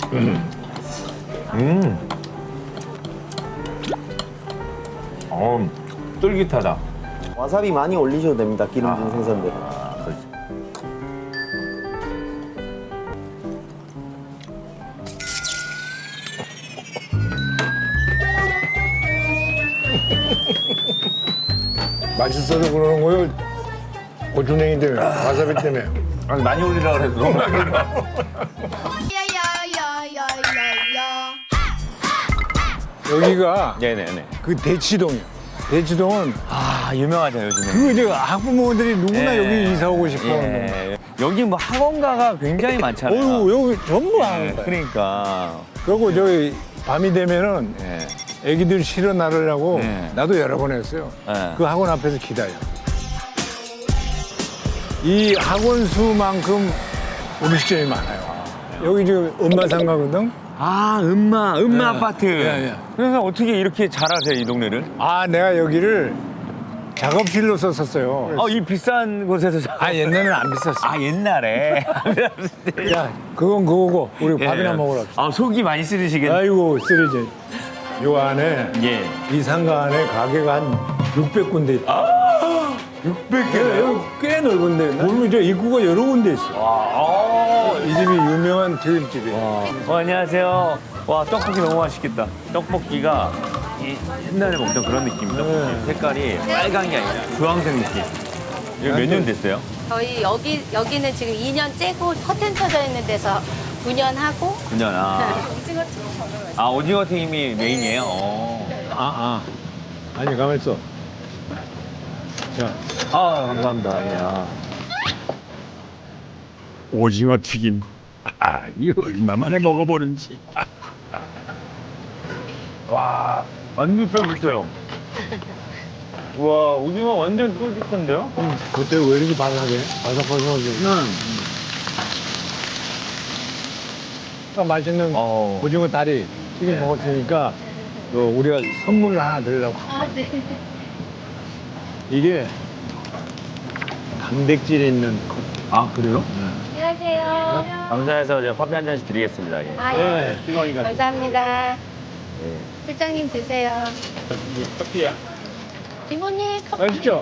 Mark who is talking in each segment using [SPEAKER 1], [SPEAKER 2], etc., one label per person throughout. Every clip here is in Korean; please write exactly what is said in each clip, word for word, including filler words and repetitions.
[SPEAKER 1] 음. 어, 쫄깃하다.
[SPEAKER 2] 와사비 많이 올리셔도 됩니다. 기름진 생선들은.
[SPEAKER 1] 아, 그렇지.
[SPEAKER 3] 맛있어서 그러는 거요. 고추냉이 때문에, 와사비 때문에.
[SPEAKER 1] 아니, 많이 올리라 그래도 너무 많이 올려.
[SPEAKER 4] 야야야야야야.
[SPEAKER 3] 여기가
[SPEAKER 1] 네네네.
[SPEAKER 3] 그 대치동이야. 대치동은
[SPEAKER 1] 아, 유명하죠, 요즘에.
[SPEAKER 3] 그 이제 학부모들이 누구나
[SPEAKER 1] 예.
[SPEAKER 3] 여기 이사 오고 싶어 하는 거야.
[SPEAKER 1] 예. 여기 뭐 학원가가 굉장히 많잖아요.
[SPEAKER 3] 어휴, 여기 전부 하는
[SPEAKER 1] 예,
[SPEAKER 3] 거야.
[SPEAKER 1] 그러니까.
[SPEAKER 3] 그리고 저기 밤이 되면은
[SPEAKER 1] 예.
[SPEAKER 3] 애기들 실어 나르려고
[SPEAKER 1] 네.
[SPEAKER 3] 나도 여러 번 했어요.
[SPEAKER 1] 네.
[SPEAKER 3] 그 학원 앞에서 기다려. 이 학원 수만큼 음식점이 많아요. 여기 지금 엄마상가거든.
[SPEAKER 1] 아, 음마, 음마
[SPEAKER 3] 예.
[SPEAKER 1] 아파트.
[SPEAKER 3] 예, 예.
[SPEAKER 1] 그래서 어떻게 이렇게 잘하세요, 이 동네를?
[SPEAKER 3] 아, 내가 여기를 작업실로 썼었어요.
[SPEAKER 1] 어, 이 비싼 곳에서 자...
[SPEAKER 3] 아, 옛날에는 안 비쌌어.
[SPEAKER 1] 아, 옛날에.
[SPEAKER 3] 야, 그건 그거고 우리 밥이나 먹으러 갑시다.
[SPEAKER 1] 아, 속이 많이 쓰리시겠네.
[SPEAKER 3] 아이고, 쓰리지. 요 안에
[SPEAKER 1] 예.
[SPEAKER 3] 이 상가 안에 가게가 한 육백 군데 있다.
[SPEAKER 1] 육백
[SPEAKER 3] 개? 여기 꽤 넓은데. 보면 저 입구가 여러 군데 있어.
[SPEAKER 1] 아,
[SPEAKER 3] 이 집이 유명한 튀김집이에요.
[SPEAKER 1] 어, 안녕하세요. 와, 떡볶이 너무 맛있겠다. 떡볶이가 이 옛날에 먹던 그런 느낌이다.
[SPEAKER 3] 네.
[SPEAKER 1] 색깔이 빨간 게 아니라 주황색 느낌. 이거 몇 년 됐어요?
[SPEAKER 4] 저희 여기 여기는 지금 이 년째고 커튼 쳐져 있는 데서 구 년 하고.
[SPEAKER 1] 구 년. 아,
[SPEAKER 4] 오징어 튀김 저는
[SPEAKER 1] 아 오징어 튀김이 메인이에요? 어.
[SPEAKER 3] 아, 아. 아니, 가만 있어. 자,
[SPEAKER 1] 아, 감사합니다. 예. 아.
[SPEAKER 5] 오징어 튀김. 아, 이거 얼마 만에 먹어보는지.
[SPEAKER 1] 와, 완전 쫄깃해요. 와, 오징어 완전 쫄깃한데요?
[SPEAKER 3] 그때 왜 이렇게 바삭해? 바삭바삭하게. 응. 맛있는
[SPEAKER 1] 어.
[SPEAKER 3] 오징어 다리 튀김 먹었으니까 또 우리가 선물을 하나 드리려고.
[SPEAKER 4] 아, 네.
[SPEAKER 3] 이게 단백질 있는
[SPEAKER 1] 아, 그래요?
[SPEAKER 4] 안녕하세요.
[SPEAKER 1] 감사해서 제가 커피 한 잔씩 드리겠습니다. 예.
[SPEAKER 4] 아, 예.
[SPEAKER 3] 네, 뜨거우니까.
[SPEAKER 4] 감사합니다.
[SPEAKER 1] 예.
[SPEAKER 4] 실장님 드세요.
[SPEAKER 3] 커피야.
[SPEAKER 4] 이모님 커피.
[SPEAKER 3] 맛있죠?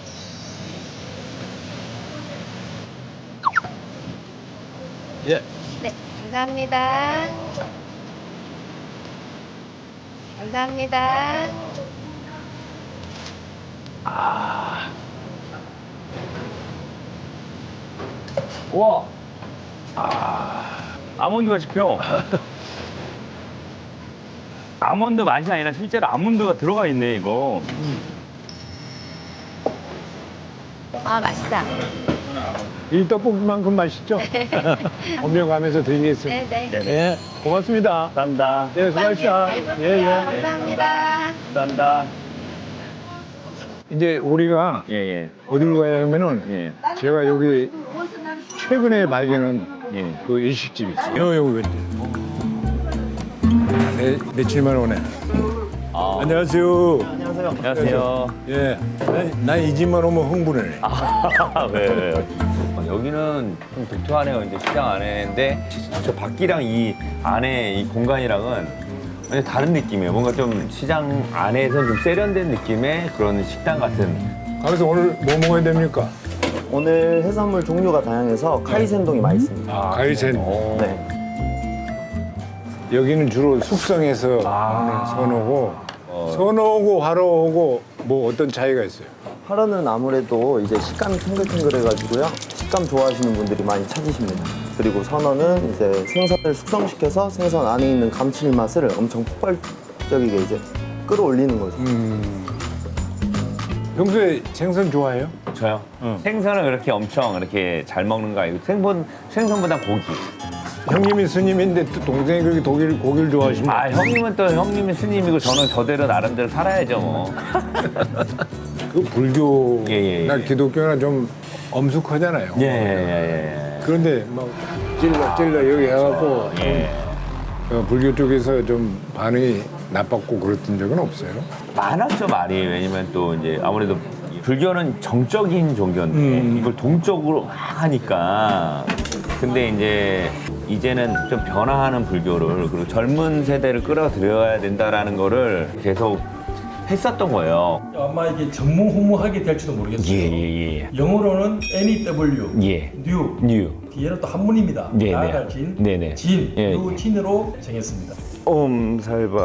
[SPEAKER 3] 예.
[SPEAKER 4] 네, 감사합니다. 감사합니다.
[SPEAKER 1] 우와. 아, 아몬드가 씹혀. 아몬드 맛이 아니라 실제로 아몬드가 들어가 있네, 이거.
[SPEAKER 4] 아, 맛있다.
[SPEAKER 3] 이 떡볶이만큼 맛있죠? 엄명가면서 드리겠습니다.
[SPEAKER 4] 네, 네.
[SPEAKER 3] 예, 고맙습니다.
[SPEAKER 1] 감사합니다.
[SPEAKER 3] 예, 수고하셨다. 예, 예.
[SPEAKER 4] 감사합니다.
[SPEAKER 1] 감사합니다.
[SPEAKER 3] 이제 우리가
[SPEAKER 1] 예, 예.
[SPEAKER 3] 어디로 가야 하면은
[SPEAKER 1] 예.
[SPEAKER 3] 제가 여기 최근에 발견한
[SPEAKER 1] 예.
[SPEAKER 3] 그 일식집이 있어요. 여, 여기 왼쪽. 네, 며칠만 오네.
[SPEAKER 1] 아,
[SPEAKER 3] 안녕하세요.
[SPEAKER 2] 안녕하세요.
[SPEAKER 1] 안녕하세요.
[SPEAKER 3] 예, 난 이 집만 오면 흥분해.
[SPEAKER 1] 아, 왜, 왜. 어, 여기는 좀 독특하네요. 이제 시장 안에인데 저 밖이랑 이 안에 이 공간이랑은 완전 다른 느낌이에요. 뭔가 좀 시장 안에서 좀 세련된 느낌의 그런 식당 같은.
[SPEAKER 3] 그래서 오늘 뭐 먹어야 됩니까?
[SPEAKER 2] 오늘 해산물 종류가 다양해서 카이센동이 맛있습니다.
[SPEAKER 3] 아, 가이센.
[SPEAKER 1] 어.
[SPEAKER 2] 네.
[SPEAKER 3] 여기는 주로 숙성해서
[SPEAKER 1] 아.
[SPEAKER 3] 먹는 선어고,
[SPEAKER 1] 어.
[SPEAKER 3] 선어고 화로고 뭐 어떤 차이가 있어요?
[SPEAKER 2] 파로는 아무래도 이제 식감이 탱글탱글해가지고요. 식감 좋아하시는 분들이 많이 찾으십니다. 그리고 선어는 이제 생선을 숙성시켜서 생선 안에 있는 감칠맛을 엄청 폭발적이게 이제 끌어올리는 거죠.
[SPEAKER 3] 평소에 생선 좋아해요?
[SPEAKER 1] 저요? 생선을 그렇게 엄청 이렇게 잘 먹는 거 아니고 생선, 생선보다 고기.
[SPEAKER 3] 형님이 스님인데 또 동생이 그렇게 독일, 고기를 좋아하시면
[SPEAKER 1] 아, 형님은 또 형님이 스님이고 저는 저대로 나름대로 살아야죠, 뭐.
[SPEAKER 3] 그 불교나
[SPEAKER 1] 예, 예, 예.
[SPEAKER 3] 기독교나 좀 엄숙하잖아요.
[SPEAKER 1] 예, 예,
[SPEAKER 3] 그런데 막 찔러 찔러 여기 해갖고
[SPEAKER 1] 예. 예.
[SPEAKER 3] 어, 불교 쪽에서 좀 반응이 나빴고 그랬던 적은 없어요.
[SPEAKER 1] 많았죠, 말이. 왜냐면 또 이제 아무래도 불교는 정적인 종교인데
[SPEAKER 3] 음.
[SPEAKER 1] 이걸 동적으로 막 하니까 근데 이제 이제는 좀 변화하는 불교를 그리고 젊은 세대를 끌어들여야 된다라는 거를 계속 했었던 거예요.
[SPEAKER 6] 아마 이게 전무후무하게 될지도 모르겠어요.
[SPEAKER 1] 예예예.
[SPEAKER 6] 영어로는 N-E-W,
[SPEAKER 1] 예.
[SPEAKER 6] new,
[SPEAKER 1] 뉴.
[SPEAKER 6] 뒤에는 또 한문입니다.
[SPEAKER 1] 네네.
[SPEAKER 6] 나아갈 진,
[SPEAKER 1] 네네.
[SPEAKER 6] 진,
[SPEAKER 1] 예,
[SPEAKER 6] 요
[SPEAKER 1] 예.
[SPEAKER 6] 진으로 정했습니다.
[SPEAKER 1] 옴살바.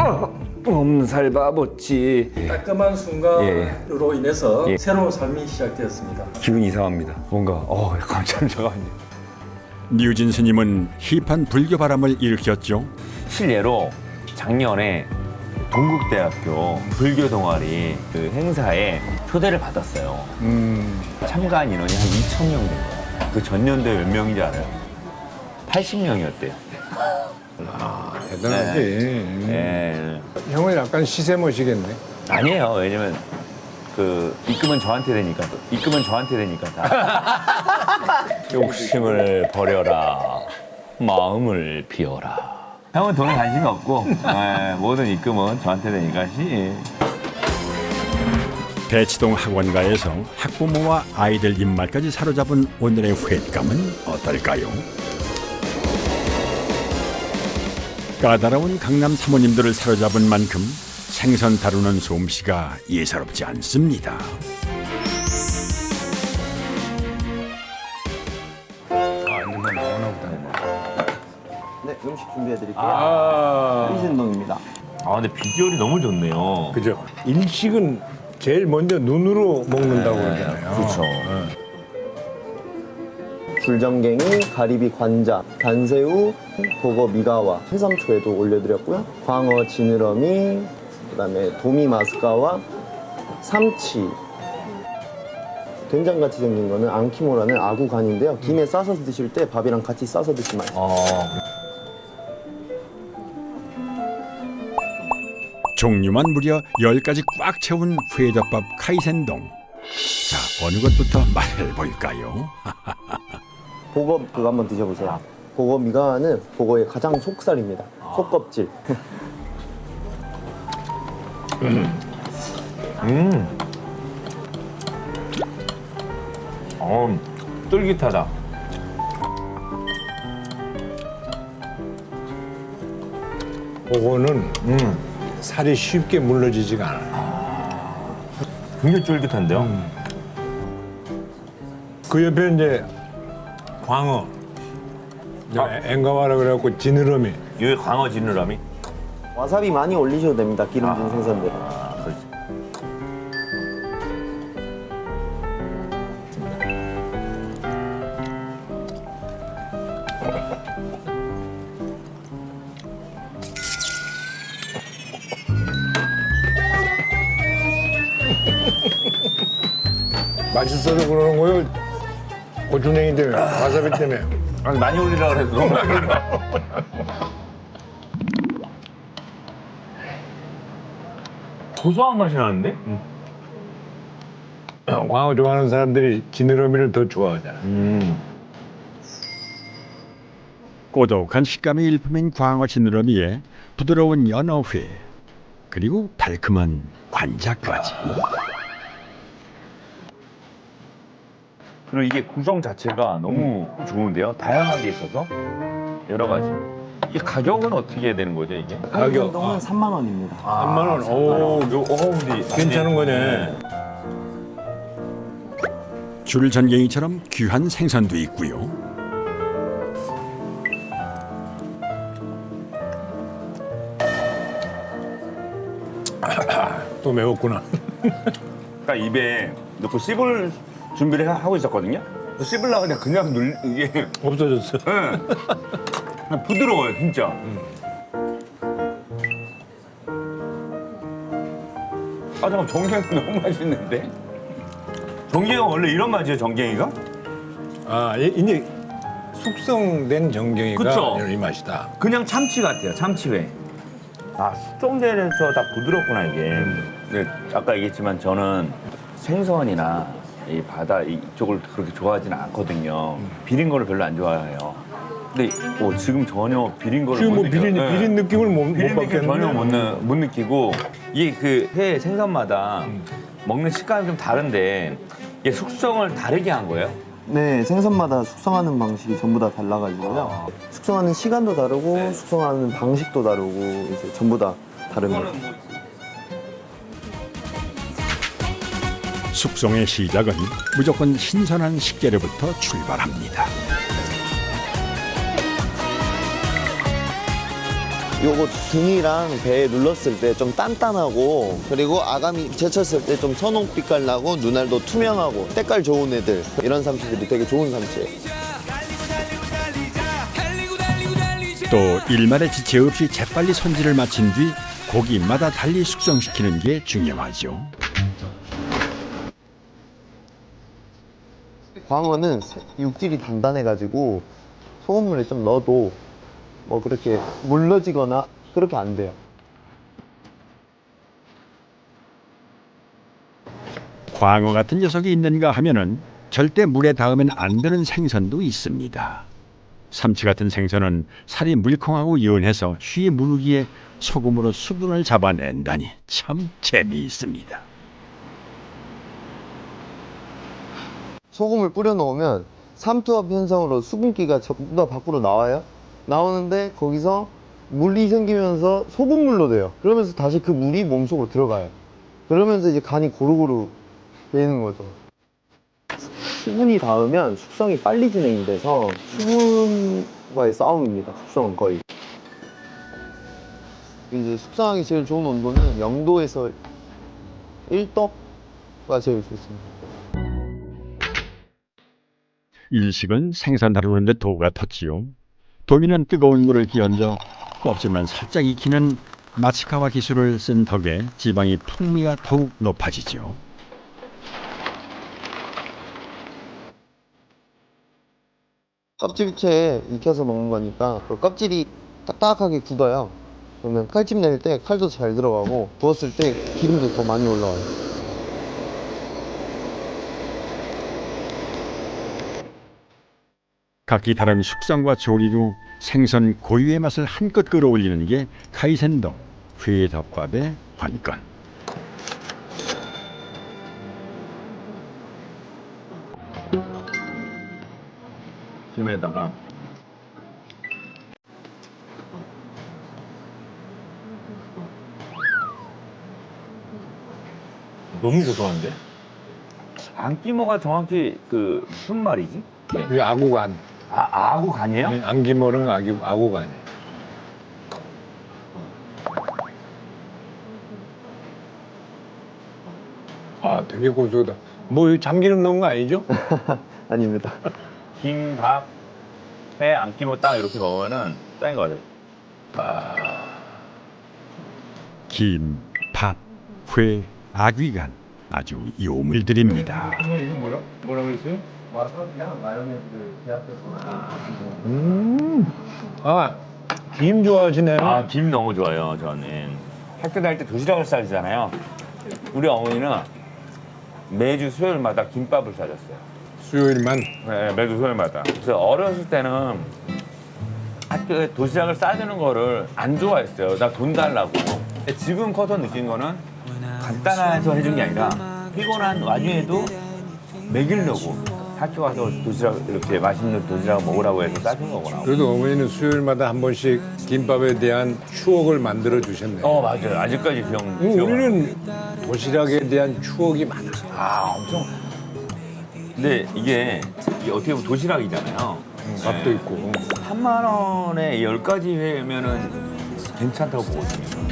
[SPEAKER 1] 옴살바보치.
[SPEAKER 6] 따끔한 순간으로 인해서
[SPEAKER 1] 예.
[SPEAKER 6] 새로운 삶이 시작되었습니다.
[SPEAKER 1] 기분 이상합니다. 뭔가 어 잠깐 잠깐만요.
[SPEAKER 5] 류진 스님은 힙한 불교 바람을 일으켰죠.
[SPEAKER 1] 실례로 작년에 동국대학교 불교 동아리 그 행사에 초대를 받았어요. 참가한 인원이 한 이천 명 된 거예요. 그 전년도에 몇 명인지 알아요? 팔십 명이었대요.
[SPEAKER 3] 대단하지.
[SPEAKER 1] 예.
[SPEAKER 3] 형은 약간 시세머시겠네.
[SPEAKER 1] 아니에요. 왜냐면 그 입금은 저한테 되니까 입금은 저한테 되니까 다. 욕심을 버려라. 마음을 비워라. 형은 돈에 관심이 없고 예, 모든 입금은 저한테 되니까 시.
[SPEAKER 5] 대치동 학원가에서 학부모와 아이들 입맛까지 사로잡은 오늘의 횟감은 어떨까요? 까다로운 강남 사모님들을 사로잡은 만큼 생선 다루는 솜씨가 예사롭지 않습니다.
[SPEAKER 1] 아, 이만 나오나 보다.
[SPEAKER 2] 네, 음식 준비해드릴게요.
[SPEAKER 3] 아,
[SPEAKER 2] 인신동입니다.
[SPEAKER 1] 아, 근데 비주얼이 너무 좋네요.
[SPEAKER 3] 그죠. 일식은 제일 먼저 눈으로 먹는다고 그러잖아요.
[SPEAKER 1] 그렇죠.
[SPEAKER 2] 줄전갱이, 가리비 관자, 단새우, 버거 미가와, 해삼초에도 올려드렸고요. 광어 지느러미, 그다음에 도미 마스카와 삼치. 된장같이 생긴 거는 앙키모라는 아구간인데요. 김에 싸서 드실 때 밥이랑 같이 싸서 드시면 맛있어요.
[SPEAKER 1] 어.
[SPEAKER 5] 종류만 무려 열 가지 꽉 채운 회덮밥 카이센동. 자, 어느 것부터 말해볼까요?
[SPEAKER 2] 보거 그거 한번 드셔보세요. 보거 미가와는 보거의 가장 속살입니다. 속껍질.
[SPEAKER 1] 음. 어, 쫄깃하다.
[SPEAKER 3] 그거는
[SPEAKER 1] 음.
[SPEAKER 3] 살이 쉽게 물러지지가 않아요.
[SPEAKER 1] 굉장히 쫄깃한데요?
[SPEAKER 3] 그 옆에 이제 광어,
[SPEAKER 1] 아.
[SPEAKER 3] 앵가와라 그래갖고 지느러미.
[SPEAKER 1] 여기 광어 지느러미?
[SPEAKER 2] 와사비 많이 올리셔도 됩니다. 기름진 생선들.
[SPEAKER 1] 아, 그렇지.
[SPEAKER 3] 맛있어서 그러는 거요. 고추냉이 때문에, 와사비 때문에.
[SPEAKER 1] 아니, 많이 올리라 그래서 너무 많이 올려. 고소한 맛이 나는데?
[SPEAKER 3] 광어 좋아하는 사람들이 지느러미를 더 좋아하잖아.
[SPEAKER 1] 음.
[SPEAKER 5] 고독한 식감이 일품인 광어 지느러미에 부드러운 연어회, 그리고 달콤한 관자까지.
[SPEAKER 1] 그리고 이게 구성 자체가 너무 좋은데요? 다양하게 있어서 여러 가지. 이 가격은 어떻게 되는 거죠, 이게?
[SPEAKER 3] 가격.
[SPEAKER 2] 운동은 삼만 원입니다.
[SPEAKER 3] 삼만 원. 오,
[SPEAKER 1] 요, 어, 근데
[SPEAKER 3] 괜찮은 거네.
[SPEAKER 5] 줄전갱이처럼 귀한 생선도 있고요.
[SPEAKER 3] 또 매웠구나.
[SPEAKER 1] 딱 입에 넣고 씹을 준비를 하- 하고 있었거든요. 씹으려고 그냥 그냥 눌 이게
[SPEAKER 3] 없어졌어.
[SPEAKER 1] 예. 그냥 부드러워요, 진짜. 아 잠깐 정갱이 너무 맛있는데? 정갱이가 원래 이런 맛이에요, 정갱이가?
[SPEAKER 3] 아, 이- 이제 숙성된 정갱이가
[SPEAKER 1] 그쵸?
[SPEAKER 3] 이 맛이다.
[SPEAKER 1] 그냥 참치 같아요, 참치회. 아 숙성돼서 다 부드럽구나 이게. 근데 아까 얘기했지만 저는 생선이나 이 바다 이쪽을 그렇게 좋아하지는 않거든요. 비린 거를 별로 안 좋아해요. 근데 어, 지금 전혀 비린 거를
[SPEAKER 3] 지금
[SPEAKER 1] 못
[SPEAKER 3] 뭐 비린,
[SPEAKER 1] 느껴요. 네.
[SPEAKER 3] 비린 느낌을 못, 못
[SPEAKER 1] 비린 느낌
[SPEAKER 3] 받겠는데.
[SPEAKER 1] 전혀 못, 느, 못 느끼고 이게 그 회 생선마다 먹는 식감이 좀 다른데 이게 숙성을 다르게 한 거예요.
[SPEAKER 2] 네, 생선마다 숙성하는 방식이 전부 다 달라가지고요. 숙성하는 시간도 다르고 숙성하는 방식도 다르고 이제 전부 다 다릅니다.
[SPEAKER 5] 숙성의 시작은 무조건 신선한 식재료부터 출발합니다.
[SPEAKER 2] 요거 등이랑 배에 눌렀을 때 좀 단단하고 그리고 아가미 제쳤을 때 좀 선홍빛깔 나고 눈알도 투명하고 때깔 좋은 애들 이런 삼치들이 되게 좋은 삼치예요.
[SPEAKER 5] 또 일말의 지체 없이 재빨리 손질을 마친 뒤 고기마다 달리 숙성시키는 게 중요하죠.
[SPEAKER 2] 광어는 육질이 단단해가지고 소금물에 좀 넣어도 뭐 그렇게 물러지거나 그렇게 안 돼요.
[SPEAKER 5] 광어 같은 녀석이 있는가 하면은 절대 물에 닿으면 안 되는 생선도 있습니다. 삼치 같은 생선은 살이 물컹하고 연해서 쉬 무르기에 소금으로 수분을 잡아낸다니 참 재미있습니다.
[SPEAKER 2] 소금을 뿌려 놓으면 삼투압 현상으로 수분기가 전부 다 밖으로 나와요. 나오는데 거기서 물이 생기면서 소금물로 돼요. 그러면서 다시 그 물이 몸속으로 들어가요. 그러면서 이제 간이 고루고루 배이는 거죠. 수분이 닿으면 숙성이 빨리 진행이 돼서 수분과의 싸움입니다. 숙성은 거의. 이제 숙성하기 제일 좋은 온도는 영 도에서 일 도가 제일 좋습니다.
[SPEAKER 5] 일식은 생선 다루는데 도가 텄지요. 도미는 뜨거운 물을 끼얹어 껍질만 살짝 익히는 마츠카와 기술을 쓴 덕에 지방의 풍미가 더욱 높아지죠.
[SPEAKER 2] 껍질채에 익혀서 먹는 거니까 그 껍질이 딱딱하게 굳어요. 그러면 칼집 낼 때 칼도 잘 들어가고 구웠을 때 기름도 더 많이 올라와요.
[SPEAKER 5] 각기 다른 숙성과 조리로 생선 고유의 맛을 한껏 끌어올리는 게 카이센동 회덮밥의 관건.
[SPEAKER 1] 김에다가 너무 고소한데? 안기모가 정확히 그 무슨 말이지?
[SPEAKER 3] 이 아구간.
[SPEAKER 1] 아, 아구 간이에요?
[SPEAKER 3] 안기모는 아기, 아구간이. 아, 되게 고소하다. 뭐 참기름 넣은 거 아니죠?
[SPEAKER 2] 아닙니다.
[SPEAKER 1] 김밥에 안기모 딱 이렇게 먹으면은 짱인 것 같아요.
[SPEAKER 5] 김, 밥, 회, 아귀간 아주 요물들입니다.
[SPEAKER 3] 이거 뭐라 뭐라 그랬어요?
[SPEAKER 2] 와서 그냥 마요네즈 제압해서.
[SPEAKER 3] 음. 아, 김 좋아하시네요.
[SPEAKER 1] 아, 김 너무 좋아요, 저는. 학교 다닐 때 도시락을 싸주잖아요. 우리 어머니는 매주 수요일마다 김밥을 싸줬어요.
[SPEAKER 3] 수요일만.
[SPEAKER 1] 네, 매주 수요일마다. 그래서 어렸을 때는 학교에 도시락을 싸주는 거를 안 좋아했어요. 나 돈 달라고. 근데 지금 커서 느낀 거는 간단해서 해준 게 아니라 피곤한 와중에도 먹이려고 학교 가서 도시락 이렇게 맛있는 도시락 먹으라고 해서 싸준 거구나.
[SPEAKER 3] 그래도 어머니는 수요일마다 한 번씩 김밥에 대한 추억을 만들어 주셨네요.
[SPEAKER 1] 어, 맞아요. 아직까지 기억.
[SPEAKER 3] 음,
[SPEAKER 1] 기억.
[SPEAKER 3] 우리는 도시락에 대한 추억이 많아.
[SPEAKER 1] 아, 엄청. 근데 이게, 이게 어떻게 보면 도시락이잖아요.
[SPEAKER 3] 밥도 있고.
[SPEAKER 1] 삼만 원에 열 가지 회면은 괜찮다고 보거든요.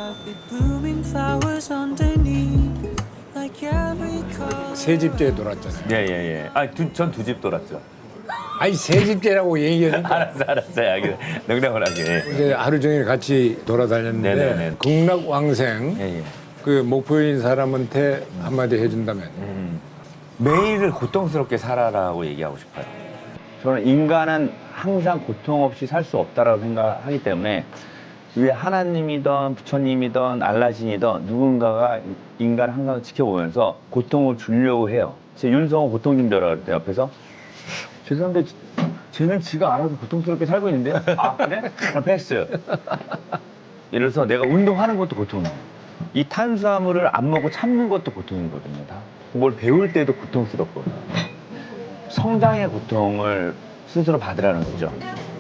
[SPEAKER 3] 세 집째 돌았잖아요.
[SPEAKER 1] 예, 예, 예. 아, 전 두 집 돌았죠.
[SPEAKER 3] 아니 세 집째라고 얘기하니까
[SPEAKER 1] 알았어, 알았어요. 알겠어요. 농담을 하게.
[SPEAKER 3] 이제 하루 종일 같이 돌아다녔는데
[SPEAKER 1] 네네네.
[SPEAKER 3] 극락왕생
[SPEAKER 1] 예, 예.
[SPEAKER 3] 그 목포인 사람한테 한마디 해준다면
[SPEAKER 1] 음, 매일을 고통스럽게 살아라고 얘기하고 싶어요. 저는 인간은 항상 고통 없이 살 수 없다라고 생각하기 때문에 위에 하나님이든 부처님이든 알라신이든 누군가가 인간을 항상 지켜보면서 고통을 주려고 해요. 제 윤성호 고통님들이라고 그랬대요. 옆에서 죄송한데 쟤는 지가 알아서 고통스럽게 살고 있는데 아 그래? 아, 패스. 예를 들어서 내가 운동하는 것도 고통이에요. 이 탄수화물을 안 먹고 참는 것도 고통이거든요. 다. 뭘 배울 때도 고통스럽거든요. 성장의 고통을 스스로 받으라는 거죠.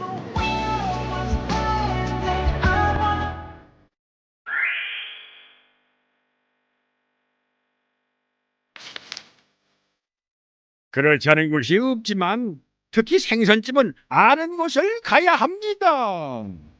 [SPEAKER 5] 그렇지 않은 곳이 없지만 특히 생선집은 아는 곳을 가야 합니다.